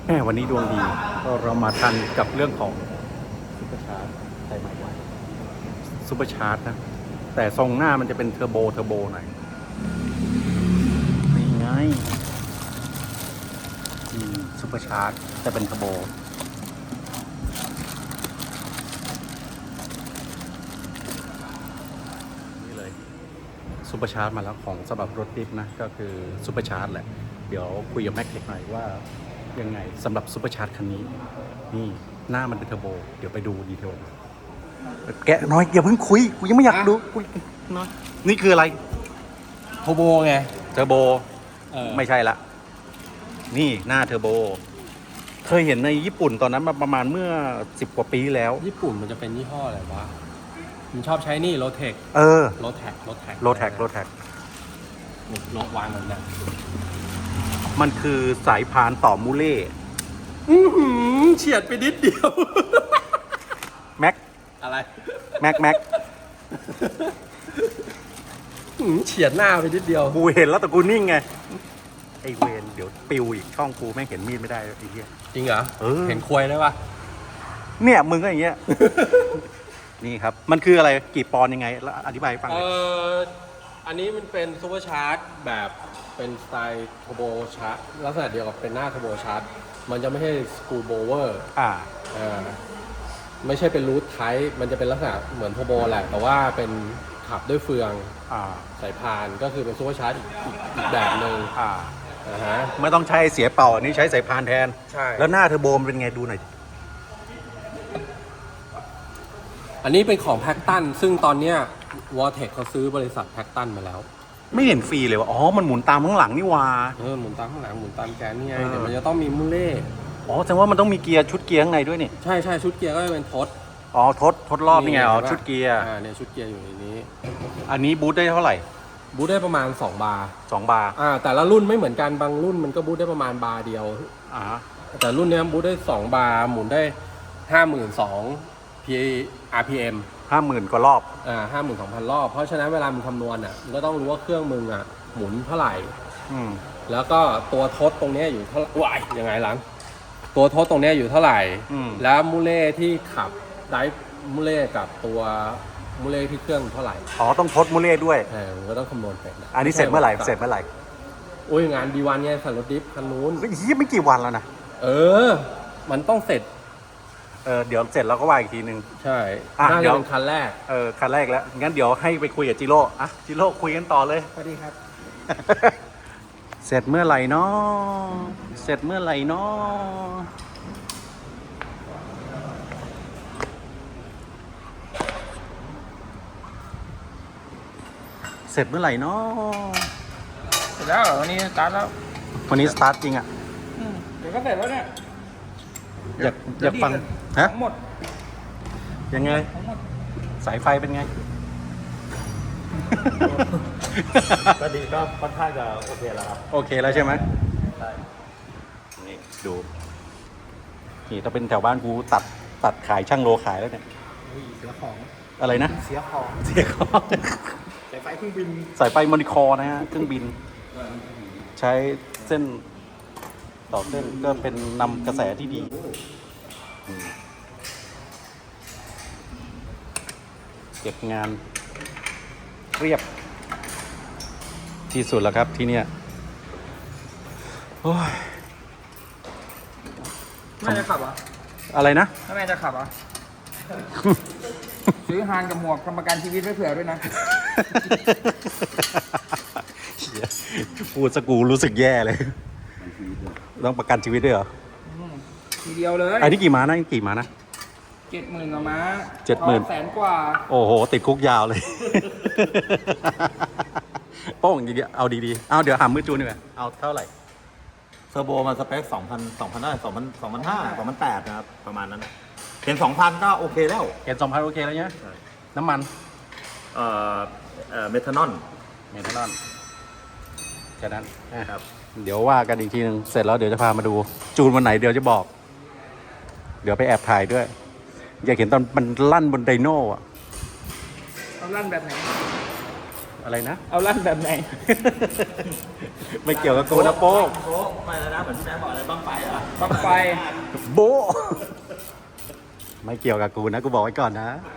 แม่วันนี้ดวงดีก็เรามาทันกับเรื่องของซุปเปอร์ชาร์จใส่ใหม่ไว้ซุปเปอร์ชาร์จนะแต่ทรงหน้ามันจะเป็นเทอร์โบหน่อยนี่ไงซุปเปอร์ชาร์จจะเป็นเทอร์โบนี่เลยซุปเปอร์ชาร์จมาแล้วของสำหรับรถดิฟนะก็คือซุปเปอร์ชาร์จแหละเดี๋ยวคุยกับแม็กเทคหน่อยว่ายังไงสำหรับซุปเปอร์ชาร์จคันนี้นี่หน้ามันเป็นเทอร์โบเดี๋ยวไปดูดีเทลแกะน้อยอย่าเพิ่งคุยกูยังไม่อยากดูคุยน้อยนี่คืออะไรโทโบไงเทอร์โบไม่ใช่ละนี่หน้าเทอร์โบเคยเห็นในญี่ปุ่นตอนนั้นมาประมาณเมื่อ10 กว่าปีแล้วญี่ปุ่นมันจะเป็นยี่ห้ออะไรวะมันชอบใช้นี่โรเทค โรแท็กโรแท็กโรวางมันนะมันคือสายพานต่อมูเล่เฉียดไปนิดเดียวแม็กอะไรแม็กเฉียดหน้าไปนิดเดียวกูเห็นแล้วแต่กูนิ่งไงไอเวนเดี๋ยวปิวอีกช่องกูแม่งเห็นมีดไม่ได้ไอ้เหี้ยจริงเหรอเออเห็นควยได้ปะเนี่ยมึงก็อย่างเงี้ย นี่ครับมันคืออะไรกี่ปอนด์ยังไงแล้วอธิบายให้ฟังหน่อยอันนี้มันเป็นซูเปอร์ชาร์จแบบเป็นสไตล์โทโบชาร์จลักษณะเดียวกับเป็นหน้าโทโบชาร์จมันจะไม่ใช่สกูโบเวอร์ไม่ใช่เป็นรูทไทป์มันจะเป็นลักษณะเหมือนโทโบแหละแต่ว่าเป็นขับด้วยเฟืองสายพานก็คือเป็นซูเปอร์ชาร์จอีกแบบหนึ่งไม่ต้องใช้เสียเป่าอันนี้ใช้สายพานแทนใช่แล้วหน้าเทอร์โบมันเป็นไงดูหน่อยอันนี้เป็นของแพ็กตันซึ่งตอนเนี้ยวอเทคเขาซื้อบริษัทแพ็กตันมาแล้วไม่เห็นฟรีเลยว่าอ๋อมันหมุนตามข้างหลังนี่วาหมุนตามข้างหลังหมุนตามแกนนี่ไงแต่มันจะต้องมีมูเล่อ๋อแสดงว่ามันต้องมีเกียร์ชุดเกียร์ข้างในด้วยนี่ใช่ชุดเกียร์ก็จะเป็นทดอ๋อทดรอบนี่ไงอ๋อชุดเกียร์เนี่ยชุดเกียร์อยู่ในนี้อันนี้บูทได้เท่าไหร่บูทได้ประมาณ2 บาร์ 2 บาร์แต่ละรุ่นไม่เหมือนกันบางรุ่นมันก็บูทได้ประมาณบาร์เดียวแต่รุ่นนี้บูทได้2 บาร์หมุนได้ 52,000 RPM 50,000 กว่ารอบ 52,000 รอบเพราะฉะนั้นเวลามึงคำนวณมึงก็ต้องรู้ว่าเครื่องมึงหมุนเท่าไหร่แล้วก็ตัวทดตรงนี้อยู่เท่าไหร่ว้ายยังไงหลังตัวทดตรงนี้อยู่เท่าไหร่แล้วมูเล่ที่ขับไดฟ์มูเล่กับตัวมูเล่ที่เครื่องเท่าไหร่อ๋อต้องทดมูเล่ด้วยมันก็ต้องคำนวณเป็นอันนี้เสร็จเมื่อไหร่โอ้ยงานดีวันไงสันรถดิฟคันนู้นไม่กี่วันแล้วนะมันต้องเสร็จเดี๋ยวเสร็จแล้วก็ว่าอีกทีนึงใช่น่าจะเป็นคันแรกคันแรกแล้วงั้นเดี๋ยวให้ไปคุยกับจิโร่จิโร่คุยกันต่อเลยสวัสดีครับเสร็จเมื่อไหร่เนาะเสร็จเมื่อไหร่เนาะเสร็จเมื่อไหร่เนาะเสร็จแล้ววันนี้สตาร์ทแล้ววันนี้สตาร์ทจริงเดี๋ยวก็เสร็จแล้วเนี่ยอยากฟังทั้งหมดยังไงสายไฟเป็นไงก็ดีก็ค่อนข้างจะโอเคแล้วครับโอเคแล้วใช่ไหมใช่นี่ดูนี่ถ้าเป็นแถวบ้านกูตัดขายช่างโลขายแล้วเนี่ยเสียของอะไรนะเสียของสายไฟเครื่องบินสายไฟมอนิคอร์นะฮะเครื่องบินใช้เส้นต่อเส้นก็เป็นนำกระแสที่ดีเก็บงานเรียบที่สุดแล้วครับที่เนี้ยโอ้ยแม่จะขับอ่ะอะไรนะแม่จะขับอ่ะซื้อฮานกับหมวกทำประกันชีวิตไว้เผื่อด้วยนะพูดสกูรู้สึกแย่เลยต้องประกันชีวิตด้วยเหรอทีเดียวเลยไอ้นี่กี่ม้านะ70,000กว่าม้า 70,000 กว่าโอ้โหติดคุกยาวเลยโป้งอย่างเงี้ยเอาดีๆเอาเดี๋ยวหามือจูนดีกว่าเอาเท่าไหร่เทอร์โบมันสเปค2,000ได้2,500 2,800นะครับประมาณนั้นเห็น 2,000 ก็โอเคแล้วเห็น 2,000 โอเคแล้วเนี่ยน้ำมันเมทานอลแค่นั้นครับเดี๋ยวว่ากันอีกทีนึงเสร็จแล้วเดี๋ยวจะพามาดูจูนวันไหนเดี๋ยวจะบอกเดี๋ยวไปแอบถ่ายด้วยอยากเห็นตอนมันลั่นบนไดโน่ตอนลั่นแบบไหนอะไรนะเอาลั่นแบบไหนไม่เกี่ยวกับกูนะโป้งโป๊ะไม่แล้วนะเหมือนที่แม่บอกอะไรบ้างไฟเหรอบังไฟโบะไม่เกี่ยวกับกูนะ กูบอกไว้ก่อนนะเ